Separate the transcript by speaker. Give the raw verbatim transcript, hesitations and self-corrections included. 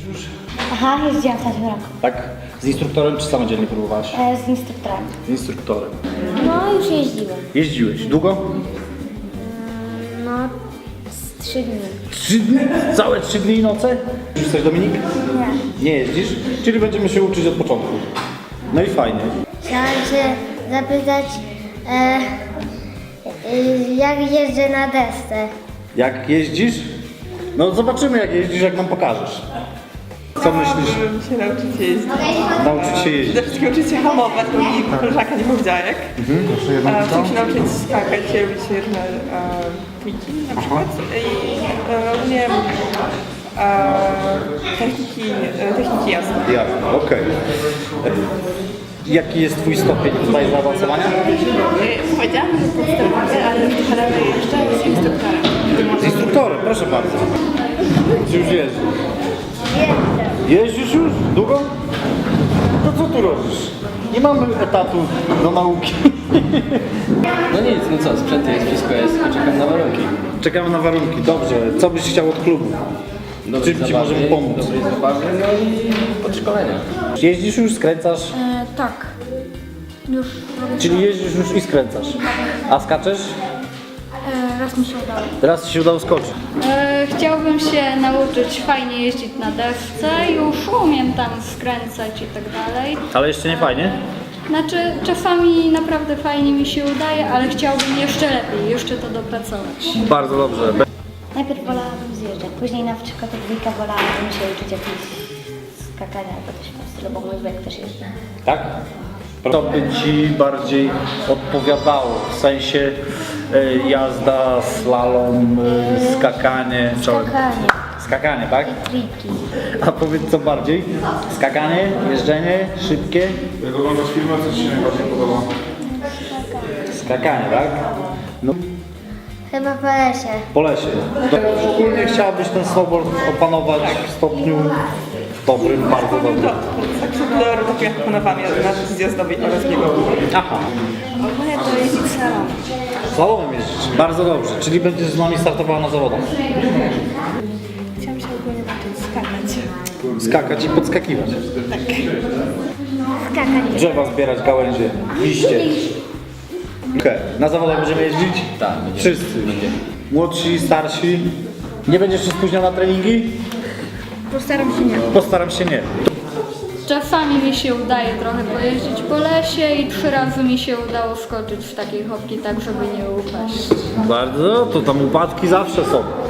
Speaker 1: już?
Speaker 2: Aha, jeździłam w tamtym roku.
Speaker 1: Tak? Z instruktorem czy samodzielnie próbowałaś?
Speaker 2: E, z instruktorem.
Speaker 1: Z instruktorem.
Speaker 2: No, już jeździłem.
Speaker 1: Jeździłeś. Długo?
Speaker 2: No, z trzy dni.
Speaker 1: Trzy dni? Całe trzy dni i noce? Już coś, Dominik?
Speaker 2: Nie.
Speaker 1: Nie jeździsz? Czyli będziemy się uczyć od początku. No i fajnie.
Speaker 2: Chciałam się zapytać, e, e, jak jeżdżę na desce.
Speaker 1: Jak jeździsz? No zobaczymy jak jeździsz, jak nam pokażesz. Co myślisz?
Speaker 3: Chciałabym się nauczyć jeździć.
Speaker 1: Nauczyć się jeździć.
Speaker 3: Przede wszystkim uczyć się hamować, bo mi koleżanka nie powiedziała jak. E, Chcę się nauczyć skakać, robić różne e, triki na przykład. I e, ogólnie e, techniki, e, techniki jazdy.
Speaker 1: Jasne, okej. Jaki jest twój stopień tutaj zaawansowania?
Speaker 3: E, Powiedziałam, że podstawowy, ale już trochę dalej jeszcze z instruktorem.
Speaker 1: Z instruktorem, proszę bardzo. Czy już jeździsz? Jeździsz już? Długo? To co tu robisz? Nie mamy etatu do nauki.
Speaker 4: No nic, no co, sprzęt jest, wszystko jest, tylko czekam na warunki.
Speaker 1: Czekamy na warunki, dobrze. Co byś chciał od klubu?
Speaker 4: Dobrej
Speaker 1: Czym ci
Speaker 4: zabawy,
Speaker 1: możemy pomóc?
Speaker 4: Dobrej zabawy, no i podszkolenia.
Speaker 1: Jeździsz już, skręcasz?
Speaker 2: E, tak. Już robię.
Speaker 1: Czyli jeździsz już i skręcasz. A skaczesz?
Speaker 5: E, raz mi się udało.
Speaker 1: Teraz ci się udało skoczyć.
Speaker 5: E, chciałbym się nauczyć fajnie jeździć na desce, już umiem tam skręcać i tak dalej.
Speaker 1: Ale jeszcze nie fajnie?
Speaker 5: Znaczy czasami naprawdę fajnie mi się udaje, ale chciałbym jeszcze lepiej, jeszcze to dopracować.
Speaker 1: Bardzo dobrze.
Speaker 2: Najpierw wolałabym zjeżdżać, później na przykład od dwójka wolałabym się uczyć jakichś skakania albo coś w tym stylu, bo mój wujek też jeździ.
Speaker 1: Tak? To by ci bardziej odpowiadało, w sensie e, jazda, slalom, e, skakanie. czołem.
Speaker 2: Skakanie,
Speaker 1: Skakanie, tak?
Speaker 2: triki.
Speaker 1: A powiedz co bardziej? Skakanie, jeżdżenie, szybkie?
Speaker 6: Jak oglądasz filmy, co ci się najbardziej podoba?
Speaker 1: Skakanie, tak? No,
Speaker 2: Chyba po lesie.
Speaker 1: po lesie. To ogólnie chciałabyś ten snowboard opanować w stopniu dobrym, bardzo dobrym.
Speaker 3: To tak sobie do rotacji proponowałam na zjazdowej oraz biegu.
Speaker 1: Aha.
Speaker 3: Ogólnie to jeździć salon.
Speaker 1: Slalomem jeździć. Bardzo dobrze. Czyli będziesz z nami startowała na zawodach.
Speaker 3: Chciałam się ogólnie nauczyć skakać.
Speaker 1: Skakać i podskakiwać.
Speaker 2: Skakanie.
Speaker 1: Drzewa zbierać, gałęzie, liście. Okej. Na zawodach będziemy jeździć?
Speaker 4: Tak, będziemy.
Speaker 1: Wszyscy.
Speaker 4: Będziemy.
Speaker 1: Młodsi, starsi. Nie będziesz się spóźniał na treningi?
Speaker 5: Postaram się nie.
Speaker 1: Postaram się nie.
Speaker 5: Czasami mi się udaje trochę pojeździć po lesie i trzy razy mi się udało skoczyć w takiej hopki tak, żeby nie upaść.
Speaker 1: Bardzo, to tam upadki zawsze są.